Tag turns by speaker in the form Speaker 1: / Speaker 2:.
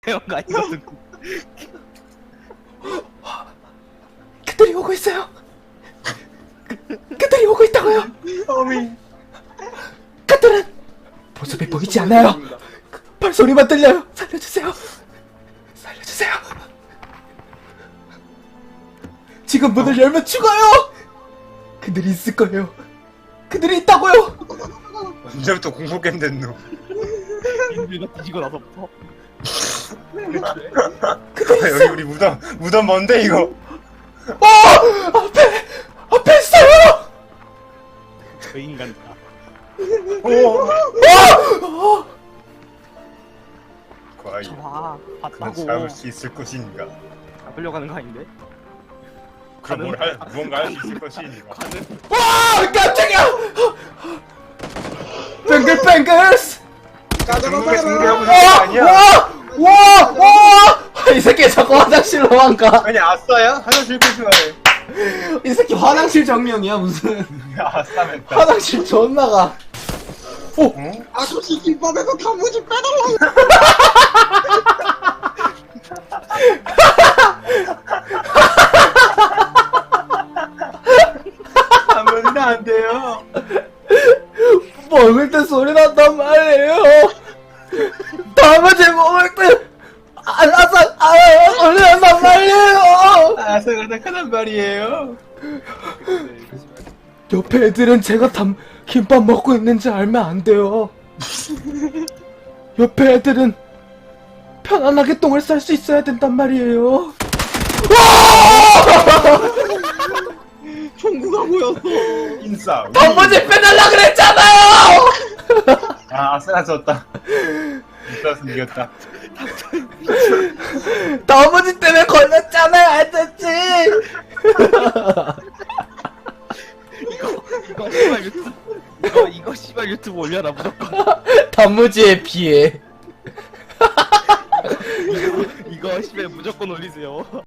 Speaker 1: 태형가 이거는
Speaker 2: 그들이 오고 있어요. 그들이 오고 있다고요.
Speaker 3: 어미.
Speaker 2: 그들은 모습이 보이지 않아요. 발소리만 들려요. 살려주세요. 살려주세요. 지금 문을 열면 죽어요. 그들이 있을 거예요. 그들이 있다고요.
Speaker 3: 언제부터 공포게임 됐노?
Speaker 1: 인류가 뒤지고 나서부터
Speaker 3: 여기 우리 무덤 뭔데 이거?
Speaker 2: 앞에 있어요.
Speaker 1: 저 인간이다.
Speaker 3: 과연
Speaker 1: 좋아
Speaker 3: 그는
Speaker 1: 봤다고.
Speaker 3: 잡을 수 있을 것인가?
Speaker 1: 잡으려고 하는 거 아닌데?
Speaker 3: 그럼 무언가 할 수 있을 것인가?
Speaker 2: 와 깜짝이야. 뱅글뱅글스.
Speaker 3: 중국에 승리하고 있는 거 아니야?
Speaker 2: 이 새끼 자꾸 화장실로 안 가.
Speaker 3: 아니 아싸야? 화장실 그 좋아해.
Speaker 2: 이 새끼 화장실 정령이야 무슨.
Speaker 3: 아싸맨다.
Speaker 2: 화장실 존나 가.
Speaker 3: 어?
Speaker 4: 아저씨 김밥에서 단무지 빼달라고.
Speaker 3: 하면 안 돼요.
Speaker 2: 먹을 때 소리 난단 말이에요. 단무지 먹을 때 소리 난단 말이에요.
Speaker 3: 아싸가 나타난 말이에요.
Speaker 2: 옆에 애들은 제가 김밥 먹고 있는지 알면 안 돼요. 옆에 애들은 편안하게 똥을 쌀 수 있어야 된단 말이에요.
Speaker 4: 총구가 보였어.
Speaker 3: 인싸.
Speaker 2: 단무지 빼달라 그랬잖아요.
Speaker 3: 아 아싸가 졌다. 인싸서 이겼다.
Speaker 2: 단무지 때문에 걸렸잖아요, 아저씨.
Speaker 1: 이거 씨발 유튜브 이거 씨발 유튜브 올려라 무조건.
Speaker 2: 단무지에 비해.
Speaker 1: 이거 씨발 무조건 올리세요.